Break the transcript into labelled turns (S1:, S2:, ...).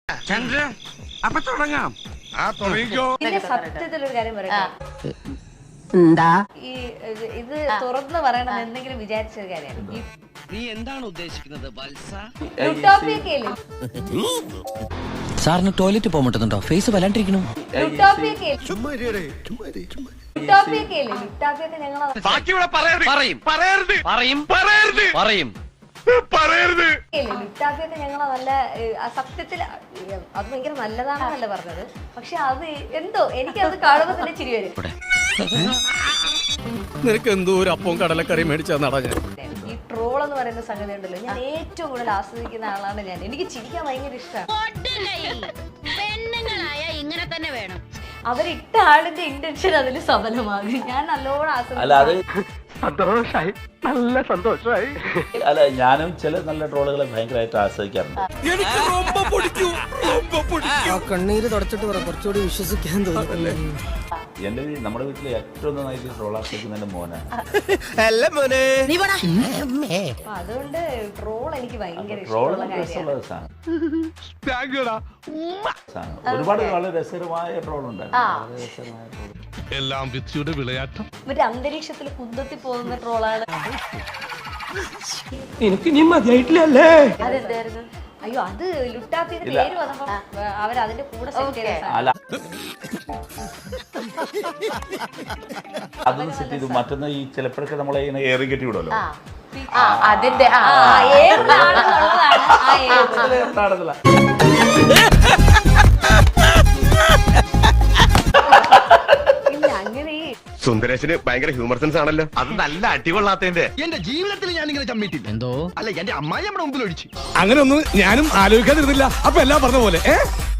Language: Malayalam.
S1: ചന്ദ്ര അപ്പൊ തുടങ്ങാം.
S2: പിന്നെ സത്യത്തിലൊരു കാര്യം പറയട്ടെ,
S3: എന്താ
S2: ഇത് തുറന്ന് പറയണം എന്തെങ്കിലും വിചാരിച്ചൊരു കാര്യമാണ്.
S1: നീ എന്താണ് ഉദ്ദേശിക്കുന്നത് വത്സ?
S2: ലുട്ടോപ്പിയൊക്കെയില്ലേ,
S4: സാറിന് ടോയ്ലറ്റ് പോകാൻ പറ്റുന്നുണ്ടോ? ഫേസ് വല്ലാണ്ടിരിക്കണു.
S2: ലുട്ടോപ്പിയൊക്കെ ഞങ്ങളെ ലുട്ടാപ്പിയൊക്കെ ഞങ്ങളെ നല്ല സത്യത്തിൽ അത് ഭയങ്കര നല്ലതാണെന്നല്ല പറഞ്ഞത്. പക്ഷെ അത് എന്തോ എനിക്കത് കാണുമ്പോ തന്നെ ചിരി വരും.
S5: നിനക്ക് എന്തോ ഒരു അപ്പവും കടലക്കറി മേടിച്ചാ നട ഞാൻ.
S2: ഈ ട്രോൾ എന്ന് പറയുന്ന സംഗതി ഉണ്ടല്ലോ, ഞാൻ ഏറ്റവും കൂടുതൽ ആസ്വദിക്കുന്ന ആളാണ് ഞാൻ. എനിക്ക് ചിരിക്കാൻ ഭയങ്കര ഇഷ്ടമാണ്.
S6: പെണ്ണുങ്ങളായ ഇങ്ങനെ തന്നെ വേണം.
S2: അവരിട്ട ആളിന്റെ ഇന്റൻഷൻ അതിൽ സഫലമാകും. ഞാൻ നല്ലോണം
S5: സന്തോഷായി, നല്ല സന്തോഷമായി.
S7: അല്ല, ഞാനും ചില നല്ല ട്രോളുകളെ ഭയങ്കരമായിട്ട് ആസ്വദിക്കാറുണ്ട്.
S3: കണ്ണീര് തുടച്ചിട്ട് പറ, കുറച്ചുകൂടി വിശ്വസിക്കാൻ തോന്നുന്നല്ലേ.
S7: നമ്മുടെ വീട്ടിൽ ഏറ്റവും നന്നായിട്ട് ട്രോൾ ആസ്വദിക്കുന്ന എന്റെ മോനാണ്.
S2: അതുകൊണ്ട് ട്രോൾ എനിക്ക് ഭയങ്കര
S7: ട്രോൾ
S2: ഇഷ്ടമുള്ള കാര്യമാണ്.
S7: ഒരുപാട് വളരെ രസകരമായ ട്രോൾ ഉണ്ടായിരുന്നു.
S5: എല്ലാം വിധിയുടെ വിളയാട്ടം.
S2: മറ്റേ അന്തരീക്ഷത്തിൽ കുന്തത്തി പോകുന്ന ട്രോളാണ്.
S3: എനിക്ക് ഇനി മതിയായിട്ടില്ലല്ലേ.
S2: അതെന്തായിരുന്നു? അയ്യോ, അത് ലുട്ടാപ്പിയുടെ പേര് വന്നപ്പോ അവരതിന്റെ കൂടെ സെറ്റ് ചെയ്ത
S7: അല്ല, അതൊന്നും സെറ്റ് ചെയ്തു. മറ്റൊന്ന് ഈ ചിലപ്പോഴൊക്കെ നമ്മളെ ഇങ്ങനെ ഏറി കെട്ടി വിടുമല്ലോ.
S2: അതിന്റെ ഏതാണെന്നുള്ളതാണ് ആ ഏത്. ഇല്ല, അങ്ങനെ ഈ
S8: സുന്ദരേശന് ഭയങ്കര ഹ്യൂമർ സെൻസ് ആണല്ലോ. അത് നല്ല അടികൊള്ളാത്തതിന്റെ.
S5: എന്റെ ജീവിതത്തിൽ ഞാൻ ഇങ്ങനെ ചമ്മിട്ടില്ല.
S4: എന്തോ
S5: അല്ല, എന്റെ അമ്മായി നമ്മുടെ മുമ്പിൽ ഒഴിച്ചു. അങ്ങനെ ഒന്നും ഞാനും ആലോചിക്കാതിരുന്നില്ല. അപ്പൊ എല്ലാം പറഞ്ഞ പോലെ